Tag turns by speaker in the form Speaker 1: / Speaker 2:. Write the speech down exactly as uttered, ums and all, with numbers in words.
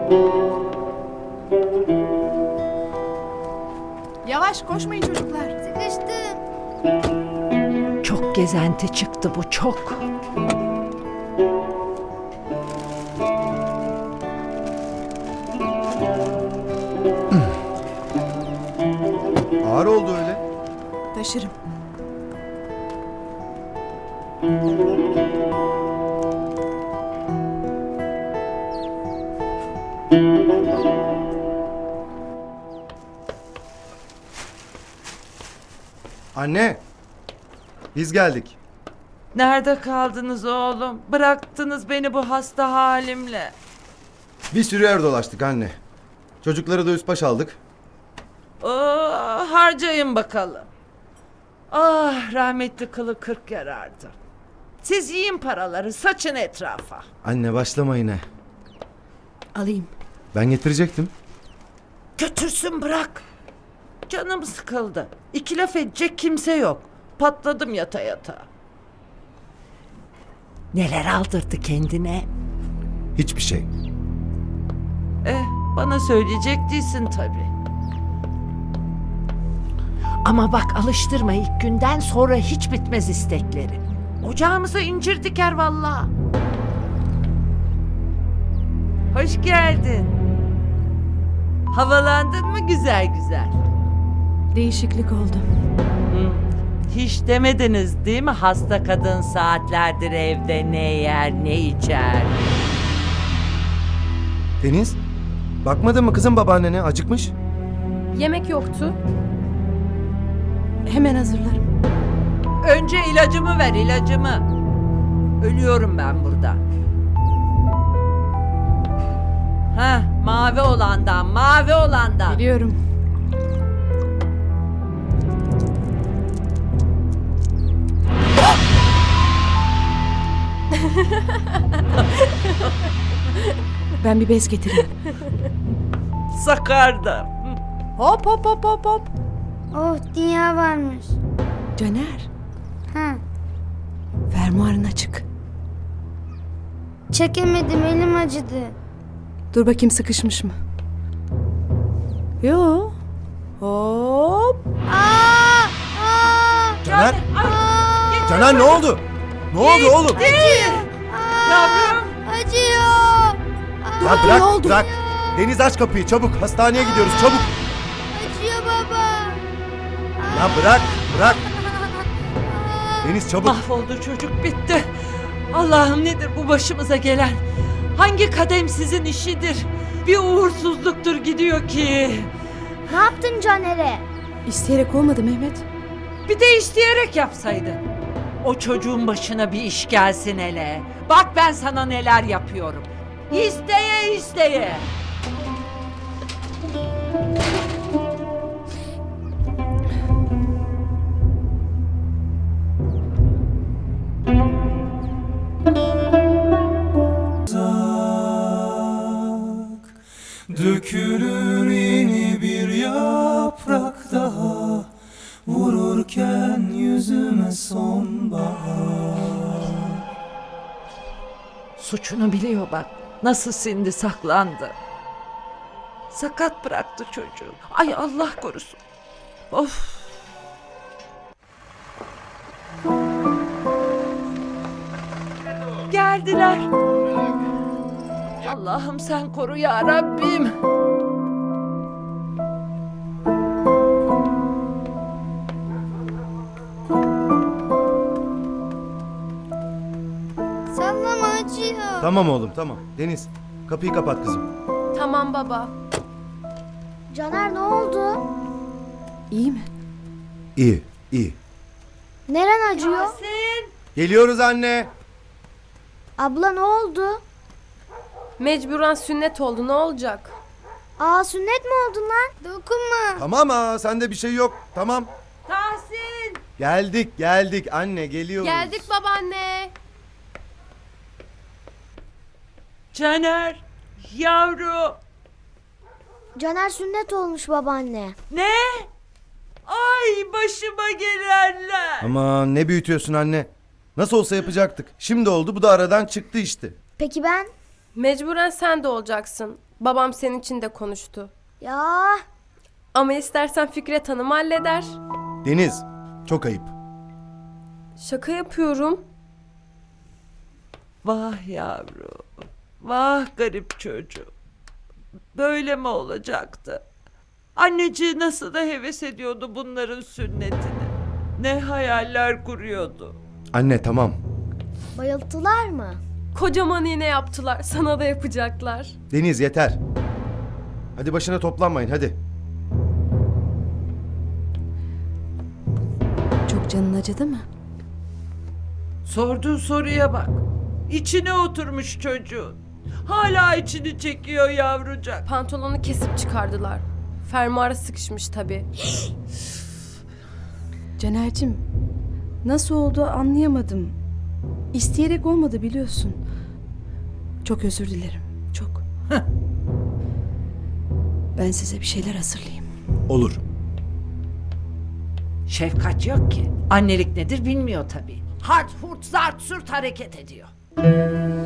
Speaker 1: Yavaş koşmayın çocuklar.
Speaker 2: Sıkıştım.
Speaker 3: Çok gezenti çıktı bu, çok.
Speaker 4: Ağır oldu öyle.
Speaker 1: Taşırım.
Speaker 4: Anne. Biz geldik.
Speaker 3: Nerede kaldınız oğlum? Bıraktınız beni bu hasta halimle.
Speaker 4: Bir sürü yer dolaştık anne. Çocukları da üst baş aldık.
Speaker 3: Oh, harcayın bakalım. Ah, rahmetli kılı kırk yarardı. Siz yiyin paraları, saçın etrafa.
Speaker 4: Anne başlama yine.
Speaker 1: Alayım.
Speaker 4: Ben getirecektim.
Speaker 3: Götürsün, bırak. Canım sıkıldı. İki laf edecek kimse yok. Patladım yata yata. Neler aldırdı kendine?
Speaker 4: Hiçbir şey.
Speaker 3: Eh, bana söyleyecek değilsin tabii. Ama bak, alıştırma ilk günden, sonra hiç bitmez istekleri. Ocağımıza incir diker vallahi. Hoş geldin. Havalandın mı güzel güzel?
Speaker 1: Değişiklik oldu.
Speaker 3: Hı. Hiç demediniz değil mi, hasta kadın saatlerdir evde ne yer ne içer?
Speaker 4: Deniz. Bakmadın mı kızım babaannene, acıkmış?
Speaker 1: Yemek yoktu. Hemen hazırlarım.
Speaker 3: Önce ilacımı ver, ilacımı. Ölüyorum ben burada. Hah, mavi olandan, mavi olandan.
Speaker 1: Biliyorum. Ben bir bez getireyim.
Speaker 3: Sakardı.
Speaker 1: Hop hop hop hop hop.
Speaker 2: Oh, dünya varmış.
Speaker 1: Caner,
Speaker 2: Ha.
Speaker 1: fermuarın açık.
Speaker 2: Çekemedim, elim acıdı.
Speaker 1: Dur bakayım, sıkışmış mı? Yo. Hop.
Speaker 2: Aa! Aa!
Speaker 4: Caner.
Speaker 2: Aa!
Speaker 4: Caner ne oldu? Ne oldu oğlum?
Speaker 3: Yavrum.
Speaker 2: Acıyor.
Speaker 4: Ya bırak,
Speaker 1: Ne oldu?
Speaker 4: bırak. Deniz aç kapıyı çabuk. Hastaneye gidiyoruz çabuk.
Speaker 2: Acıyor baba.
Speaker 4: Ya bırak, bırak. Deniz çabuk.
Speaker 3: Mahvoldu çocuk, bitti. Allah'ım, nedir bu başımıza gelen? Hangi kademsizin işidir? Bir uğursuzluktur gidiyor ki.
Speaker 2: Ne yaptın Caner'e?
Speaker 1: İsteyerek olmadı Mehmet.
Speaker 3: Bir de isteyerek yapsaydın. O çocuğun başına bir iş gelsin hele. Bak ben sana neler yapıyorum. İsteye isteye.
Speaker 5: Dökülür yeni bir yaprak daha, vururken yüzüme sonbahar.
Speaker 3: Suçunu biliyor bak. Nasıl sindi, saklandı. Sakat bıraktı çocuğu. Ay Allah korusun. Of. Geldiler. Allah'ım sen koru ya Rabbim.
Speaker 2: Sallama, acıyor.
Speaker 4: Tamam oğlum tamam. Deniz kapıyı kapat kızım.
Speaker 1: Tamam baba.
Speaker 2: Caner, ne oldu?
Speaker 1: İyi mi?
Speaker 4: İyi, iyi.
Speaker 2: Neren acıyor?
Speaker 3: Yasin.
Speaker 4: Geliyoruz anne.
Speaker 2: Abla, ne oldu?
Speaker 6: Mecburen sünnet oldu, ne olacak?
Speaker 2: Aa, sünnet mi oldun lan? Dokunma.
Speaker 4: Tamam ha sende bir şey yok. Tamam.
Speaker 3: Tahsin.
Speaker 4: Geldik geldik anne geliyoruz.
Speaker 6: Geldik babaanne.
Speaker 3: Caner. Yavru.
Speaker 2: Caner sünnet olmuş babaanne.
Speaker 3: Ne? Ay başıma gelenler.
Speaker 4: Aman ne büyütüyorsun anne. Nasıl olsa yapacaktık. Şimdi oldu, bu da aradan çıktı işte.
Speaker 2: Peki ben?
Speaker 6: Mecburen sen de olacaksın. Babam senin için de konuştu.
Speaker 2: Ya
Speaker 6: Ama istersen Fikret Hanım halleder.
Speaker 4: Deniz, çok ayıp.
Speaker 6: Şaka yapıyorum.
Speaker 3: Vah yavrum. Vah garip çocuğum. Böyle mi olacaktı? Anneciği nasıl da heves ediyordu bunların sünnetini. Ne hayaller kuruyordu.
Speaker 4: Anne tamam.
Speaker 2: bayılttılar mı?
Speaker 6: Kocaman iğne yaptılar. Sana da yapacaklar.
Speaker 4: Deniz yeter. Hadi başına toplanmayın hadi.
Speaker 1: Çok canın acıdı mı?
Speaker 3: Sorduğu soruya bak. İçine oturmuş çocuğun. Hala içini çekiyor yavrucak.
Speaker 6: Pantolonu kesip çıkardılar. Fermuara sıkışmış tabii.
Speaker 1: Caner'cim, nasıl oldu anlayamadım. İsteyerek olmadı biliyorsun. Çok özür dilerim. Çok. Ben size bir şeyler hazırlayayım.
Speaker 4: Olur.
Speaker 3: Şefkat yok ki. Annelik nedir bilmiyor tabii. Hart hurt zart sürt hareket ediyor.